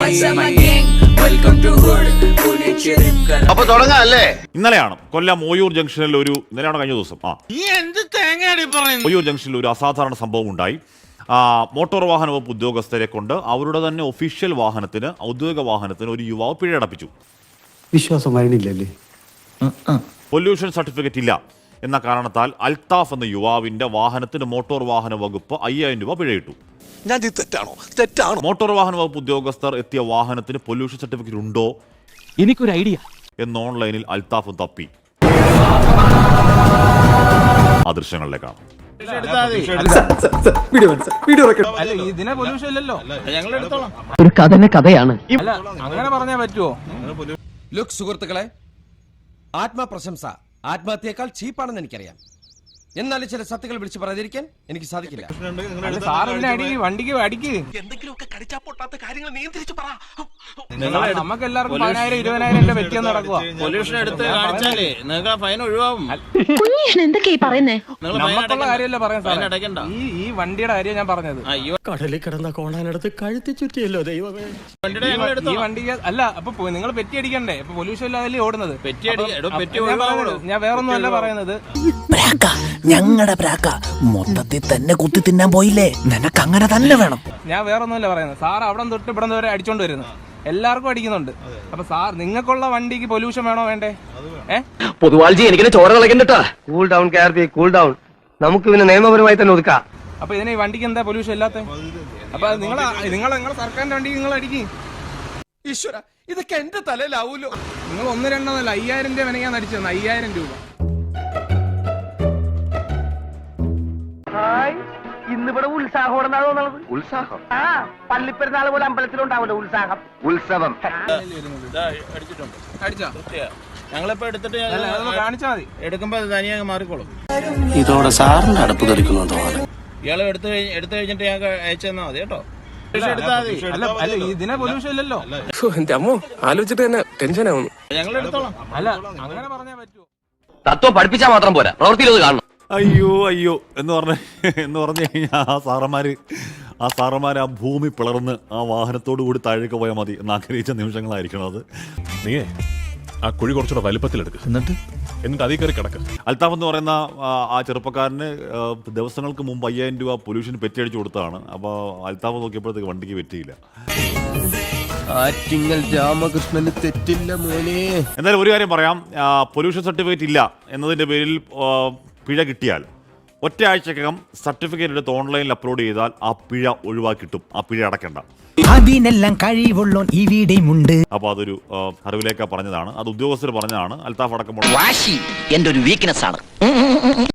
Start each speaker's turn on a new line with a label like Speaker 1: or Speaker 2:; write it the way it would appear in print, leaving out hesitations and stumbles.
Speaker 1: അപ്പൊ തുടങ്ങാം അല്ലേ?
Speaker 2: ഇന്നലെയാണ് കൊല്ലം ഓയൂർ ജംഗ്ഷനിൽ ഇന്നലെയാണ് കഴിഞ്ഞ ദിവസം ഓയൂർ ജംഗ്ഷനിൽ ഒരു അസാധാരണ സംഭവം ഉണ്ടായി. മോട്ടോർ വാഹന വകുപ്പ് ഉദ്യോഗസ്ഥരെ കൊണ്ട് അവരുടെ തന്നെ ഒഫീഷ്യൽ വാഹനത്തിന്, ഔദ്യോഗിക വാഹനത്തിന് ഒരു യുവാവ് പിഴയടപ്പിച്ചു.
Speaker 3: വിശ്വാസം വരണില്ലല്ലേ?
Speaker 2: പൊല്യൂഷൻ സർട്ടിഫിക്കറ്റ് ഇല്ല എന്ന കാരണത്താൽ അൽത്താഫ് എന്ന യുവാവിന്റെ വാഹനത്തിന് മോട്ടോർ വാഹന വകുപ്പ് 5000 രൂപ പിഴയിട്ടു. മോട്ടോർ വാഹന വകുപ്പ് ഉദ്യോഗസ്ഥർ എത്തിയ വാഹനത്തിന് പൊല്യൂഷൻ സർട്ടിഫിക്കറ്റ് ഉണ്ടോ,
Speaker 4: എനിക്കൊരു ഐഡിയ എന്ന്
Speaker 2: ഓൺലൈനിൽ അൽത്താഫ് തപ്പി. ആ ദൃശ്യങ്ങളിലേക്കാണ്.
Speaker 5: ഒരു കഥയാണ്.
Speaker 4: അങ്ങനെ പറഞ്ഞാൽ പറ്റുമോ?
Speaker 6: ലുക്ക് സുഹൃത്തുക്കളെ, ആത്മപ്രശംസ ആത്മഹത്യയേക്കാൾ ചീപ്പാണെന്ന് എനിക്കറിയാം. എന്നാലും ചില സത്യങ്ങൾ വിളിച്ചു പറയാതിരിക്കാൻ എനിക്ക് സാധിക്കില്ല.
Speaker 4: വണ്ടിക്ക് അടിക്ക്.
Speaker 6: എന്തെങ്കിലുമൊക്കെ കടിച്ചാ പൊട്ടാത്ത കാര്യങ്ങൾ നിയന്ത്രിച്ചു പറ.
Speaker 4: നമുക്ക് എല്ലാവർക്കും 10,000 20,000 വെറ്റിയെന്ന് നടക്കുക.
Speaker 1: പൊല്യൂഷൻ എടുത്ത് കാണിച്ചാലേ നിങ്ങൾക്ക് ഫൈൻ ഒഴിവാകും.
Speaker 4: നമുക്കുള്ള കാര്യമല്ല പറയാൻ സാർ. ഈ വണ്ടിയുടെ കാര്യം ഞാൻ പറഞ്ഞത്.
Speaker 5: കടലിൽ കിടന്ന കോണാനടുത്ത് കഴുത്തി ചുറ്റിയല്ലോ ദൈവമേ.
Speaker 4: ഈ വണ്ടിക്ക് അല്ല, അപ്പൊ നിങ്ങൾ പെറ്റി അടിക്കണ്ടേ? അപ്പൊ പൊല്യൂഷൻ ഇല്ലാതല്ലേ ഓടുന്നത്. ഞാൻ വേറൊന്നും അല്ല പറയുന്നത്.
Speaker 5: ഞങ്ങളുടെ പ്രാക്ക മൊത്തത്തിൽ തന്നെ കുത്തി തിന്നാൻ പോയില്ലേ? നിനക്ക് അങ്ങനെ തന്നെ വേണം.
Speaker 4: ഞാൻ വേറൊന്നുമല്ല പറയുന്നത്. സാർ അവിടെ തൊട്ട് ഇവിടെ വരെ അടിച്ചോണ്ട് വരുന്നത്, എല്ലാവർക്കും അടിക്കുന്നുണ്ട്. അപ്പൊ സാർ, നിങ്ങൾക്കുള്ള വണ്ടിക്ക് പൊല്യൂഷൻ വേണോ വേണ്ടേ?
Speaker 5: പൊതുവാൾജി എനിക്കിനെ ചോര കളക്കണ്ടട്ടാ.
Speaker 3: കൂൾ ഡൗൺ കാർബി, കൂൾ ഡൗൺ. നമുക്ക് പിന്നെ നിയമപരമായി തന്നെ ഒതുക്കാം.
Speaker 4: അപ്പൊ ഇതിന് ഈ വണ്ടിക്ക് എന്താ പൊല്യൂഷൻ ഇല്ലാത്ത? അപ്പൊ നിങ്ങൾ സർക്കാരിന്റെ വണ്ടിക്ക് നിങ്ങൾ അടിക്കും.
Speaker 6: ഈശ്വര, ഇതൊക്കെ എന്റെ തലയിലാവൂലോ.
Speaker 4: നിങ്ങൾ 1-2 5000 രൂപ വിനയാൻ അടിച്ചു. 5000 രൂപ.
Speaker 3: ഇന്നിവിടെ ഉത്സാഹം. ഉത്സാഹം? പള്ളിപ്പെരുന്നാൾ പോലെ അമ്പലത്തിലുണ്ടാവില്ല ഉത്സാഹം, ഉത്സവം.
Speaker 1: ഞങ്ങളിപ്പോ എടുത്തിട്ട്
Speaker 4: കാണിച്ചാൽ മതി.
Speaker 1: എടുക്കുമ്പോ തനിയെ മാറിക്കോളും.
Speaker 5: ഇതോടെ സാറിന്റെ അടുപ്പ് തെറിക്കുന്നു തോന്നുന്നു.
Speaker 1: ഇയാള് എടുത്തു കഴിഞ്ഞിട്ട് ഞാൻ അയച്ചു തന്നാ മതി കേട്ടോ.
Speaker 4: ഇതിനെ പൊല്യൂഷൻ ഇല്ലല്ലോ.
Speaker 5: എന്റെ അമ്മോ, ആലോചിച്ചിട്ട് തന്നെ ടെൻഷൻ ആവുന്നു.
Speaker 1: ഞങ്ങൾ എടുത്തോളാം.
Speaker 4: അല്ല, അങ്ങനെ പറഞ്ഞാൽ പറ്റുമോ?
Speaker 6: തത്വം പഠിപ്പിച്ചാൽ മാത്രം പോരാ, പ്രവൃത്തിയിൽ അത് കാണണം.
Speaker 2: അയ്യോ എന്ന് പറഞ്ഞു കഴിഞ്ഞാൽ ആ സാറന്മാർ ആ ഭൂമി പിളർന്ന് ആ വാഹനത്തോടു കൂടി താഴേക്ക് പോയാൽ മതി എന്ന് ആഗ്രഹിച്ച നിമിഷങ്ങളായിരിക്കണം അത്.
Speaker 7: നീയേ ആ കുഴി കുറച്ചുകൂടെ വലിപ്പത്തിലെടുക്കുക, എന്നിട്ട് അതിൽ കയറി കിടക്കുക.
Speaker 2: അൽത്താഫ് എന്ന് പറയുന്ന ആ ചെറുപ്പക്കാരന് ദിവസങ്ങൾക്ക് മുമ്പ് 5000 രൂപ പൊല്യൂഷൻ പെറ്റിയടിച്ചു കൊടുത്തതാണ്. അപ്പോൾ അൽത്താഫ് നോക്കിയപ്പോഴത്തേക്ക് വണ്ടിക്ക് പറ്റിയില്ല.
Speaker 6: രാമകൃഷ്ണന് തെറ്റില്ല മോനെ.
Speaker 2: എന്തായാലും ഒരു കാര്യം പറയാം, പൊല്യൂഷൻ സർട്ടിഫിക്കറ്റ് ഇല്ല എന്നതിൻ്റെ പേരിൽ പിഴ കിട്ടിയാൽ ഒറ്റയാഴ്ചക്കകം സർട്ടിഫിക്കറ്റ് എടുത്ത് ഓൺലൈനിൽ അപ്ലോഡ് ചെയ്താൽ ആ പിഴ ഒഴിവാക്കിട്ടും, ആ പിഴ അടയ്ക്കണ്ട.
Speaker 5: അതിനെല്ലാം കഴിവുള്ളോ ഇവിടെയുമുണ്ട്.
Speaker 2: അപ്പോൾ അതൊരു അറിവിലേക്ക് പറഞ്ഞതാണ്, അത് ഉദ്യോഗസ്ഥർ പറഞ്ഞതാണ്. അൽത്താഫ് അടക്കമുള്ള
Speaker 5: വാശി എന്റെ ഒരു വീക്ക്നെസ് ആണ്.